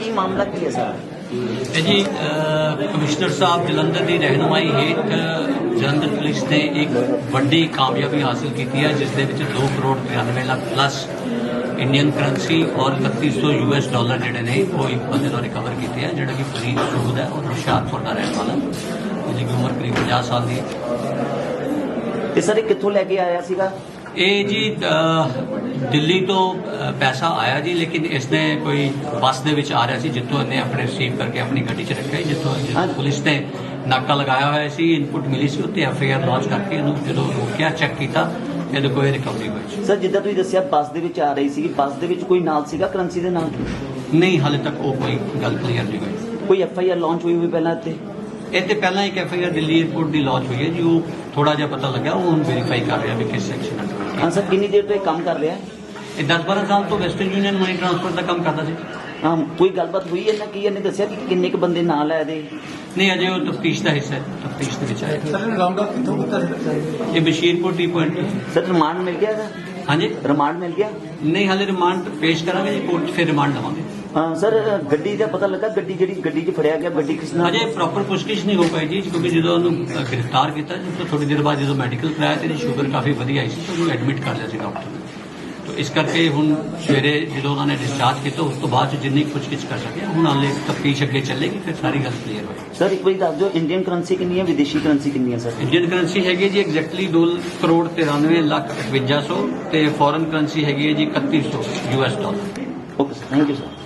ਕੀ ਮਾਮਲਾ ਕੀ ਹੈ ਸਰ? ਇਹ ਜੀ ਕਮਿਸ਼ਨਰ ਸਾਹਿਬ ਜਲੰਧਰ ਦੀ ਰਹਿਨੁਮਾਈ ਹੇਠ ਜਲੰਧਰ ਪੁਲਿਸ ਨੇ ਇੱਕ ਵੱਡੀ ਕਾਮਯਾਬੀ ਹਾਸਲ ਕੀਤੀ ਹੈ, ਜਿਸ ਦੇ ਵਿੱਚ 2 crore 93 lakh plus Indian currency ਔਰ 3100 US ਡਾਲਰ ਜਿਹੜੇ ਨੇ ਉਹ ਇੱਕ ਬੰਦੇ ਤੋਂ ਰਿਕਵਰ ਕੀਤੇ ਆ, ਜਿਹੜਾ ਕਿ ਫਰੀਦ ਸੂਦ ਹੈ ਔਰ ਹੁਸ਼ਿਆਰਪੁਰ ਦਾ ਰਹਿਣ ਵਾਲਾ, ਜਿਹਦੀ ਕਿ ਉਮਰ ਕਰੀਬ 50 ਸਾਲ ਦੀ ਹੈ। ਤੇ ਸਰ ਇਹ ਕਿੱਥੋਂ ਲੈ ਕੇ ਆਇਆ ਸੀਗਾ? ਇਹ ਜੀ ਦਿੱਲੀ ਤੋਂ ਪੈਸਾ ਆਇਆ ਜੀ, ਲੇਕਿਨ ਇਸਨੇ ਕੋਈ ਬੱਸ ਦੇ ਵਿੱਚ ਆ ਰਿਹਾ ਸੀ, ਜਿੱਥੋਂ ਇਹਨੇ ਆਪਣੇ ਰਿਸੀਵ ਕਰਕੇ ਆਪਣੀ ਗੱਡੀ 'ਚ ਰੱਖਿਆ, ਜਿੱਥੋਂ ਪੁਲਿਸ ਨੇ ਨਾਕਾ ਲਗਾਇਆ ਹੋਇਆ ਸੀ, ਇਨਪੁਟ ਮਿਲੀ ਸੀ, ਉੱਤੇ FIR ਲਾਂਚ ਕਰਕੇ ਇਹਨੂੰ ਜਦੋਂ ਰੋਕਿਆ, ਚੈੱਕ ਕੀਤਾ, ਇਹਦੇ ਕੋਈ ਰਿਕਵਰੀ ਹੋਈ। ਸਰ ਜਿੱਦਾਂ ਤੁਸੀਂ ਦੱਸਿਆ ਬੱਸ ਦੇ ਵਿੱਚ ਆ ਰਹੀ ਸੀ, ਬੱਸ ਦੇ ਵਿੱਚ ਕੋਈ ਨਾਲ ਸੀਗਾ ਕਰੰਸੀ ਦੇ ਨਾਲ? ਨਹੀਂ, ਹਾਲੇ ਤੱਕ ਉਹ ਕੋਈ ਗੱਲ ਕਲੀਅਰ ਨਹੀਂ ਹੋਈ। ਕੋਈ FIR ਲਾਂਚ ਹੋਈ ਪਹਿਲਾਂ ਇੱਥੇ? ਇਹ ਤੇ ਪਹਿਲਾਂ ਇੱਕ FIR ਦਿੱਲੀ ਏਅਰਪੋਰਟ ਦੀ ਲਾਂਚ ਹੋਈ ਹੈ ਜੀ, ਉਹ ਥੋੜਾ ਜਿਹਾ ਪਤਾ ਲੱਗਿਆ, ਉਹ ਹੁਣ ਵੈਰੀਫਾਈ ਕਰ ਰਿਹਾ ਵੀ ਕਿਸ ਸੈਕਸ਼ਨ ਅੰਡਰ। ਹਾਂ ਸਰ, ਕਿੰਨੀ ਦੇਰ ਤੋਂ ਇਹ ਕੰਮ ਕਰ ਰਿਹਾ ਹੈ? ਇਹ 10-12 ਸਾਲ ਤੋਂ ਵੈਸਟਰਨ ਯੂਨੀਅਨ ਮਨੀ ਟ੍ਰਾਂਸਫਰ ਦਾ ਕੰਮ ਕਰਦਾ ਸੀ। ਹਾਂ, ਕੋਈ ਗੱਲਬਾਤ ਹੋਈ ਇਹਨਾਂ ਕੀ ਇਹਨੇ ਦੱਸਿਆ ਕਿ ਕਿੰਨੇ ਕੁ ਬੰਦੇ ਨਾਲ ਹੈ ਇਹਦੇ? ਨਹੀਂ, ਅਜੇ ਉਹ ਤਫਤੀਸ਼ ਦਾ ਹਿੱਸਾ ਹੈ, ਤਫਤੀਸ਼ ਦੇ ਵਿੱਚ ਆਇਆ। ਸਰ ਰਾਉਂਡ ਅਪ ਕਿੱਥੋਂ ਕੀਤਾ ਸੀ? ਇਹ Bashirpur T point. Sir remand ਮਿਲ ਗਿਆ ਇਹਦਾ? ਹਾਂਜੀ, ਰਿਮਾਂਡ ਮਿਲ ਗਿਆ? ਨਹੀਂ, ਹਾਲੇ ਰਿਮਾਂਡ ਪੇਸ਼ ਕਰਾਂਗੇ ਜੀ ਕੋਰਟ 'ਚ, ਫਿਰ ਰਿਮਾਂਡ ਲਵਾਂਗੇ। ਹਾਂ ਸਰ, ਗੱਡੀ ਦਾ ਪਤਾ ਲੱਗਾ? ਗੱਡੀ 'ਚ ਫੜਿਆ ਗਿਆ, ਗੱਡੀ ਕਿਸ ਨਾਲ? ਅਜੇ ਪ੍ਰੋਪਰ ਪੁੱਛਗਿੱਛ ਨਹੀਂ ਹੋ ਪਾਈ ਜੀ, ਕਿਉਂਕਿ ਜਦੋਂ ਉਹਨੂੰ ਗ੍ਰਿਫਤਾਰ ਕੀਤਾ ਜੀ, ਤਾਂ ਥੋੜੀ ਦੇਰ ਬਾਅਦ ਜਦੋਂ ਮੈਡੀਕਲ ਕਰਾਇਆ ਤੇ ਇਹਦੀ ਸ਼ੂਗਰ ਕਾਫੀ ਵਧੀਆ ਆਈ ਸੀ, ਤਾਂ ਉਹਨੂੰ ਐਡਮਿਟ ਕਰ ਲਿਆ ਸੀ ਡਾਕਟਰ ਨੇ। ਤਾਂ ਇਸ ਕਰਕੇ ਹੁਣ ਸਵੇਰੇ ਜਦੋਂ ਉਹਨਾਂ ਨੇ ਡਿਸਚਾਰਜ ਕੀਤਾ, ਉਸ ਤੋਂ ਬਾਅਦ 'ਚ ਜਿੰਨੀ ਪੁੱਛਗਿੱਛ ਕਰ ਸਕਿਆ, ਹੁਣ ਹਾਲੇ ਤਫਤੀਸ਼ ਅੱਗੇ ਚੱਲੇਗੀ, ਫਿਰ ਸਾਰੀ ਗੱਲ ਕਲੀਅਰ ਹੋਏਗੀ। ਸਰ ਇੱਕ ਵਾਰੀ ਦੱਸ ਦਿਓ, ਇੰਡੀਅਨ ਕਰੰਸੀ ਕਿੰਨੀ ਹੈ, ਵਿਦੇਸ਼ੀ ਕਰੰਸੀ ਕਿੰਨੀ ਹੈ ਸਰ? ਇੰਡੀਅਨ ਕਰੰਸੀ ਹੈਗੀ ਜੀ ਐਗਜ਼ੈਕਟਲੀ 2 ਕਰੋੜ 93 ਲੱਖ 5100 ਤੇ ਫੋਰਨ ਕਰੰਸੀ ਹੈਗੀ ਹੈ ਜੀ 3100 US dollar. Okay sir, thank you sir.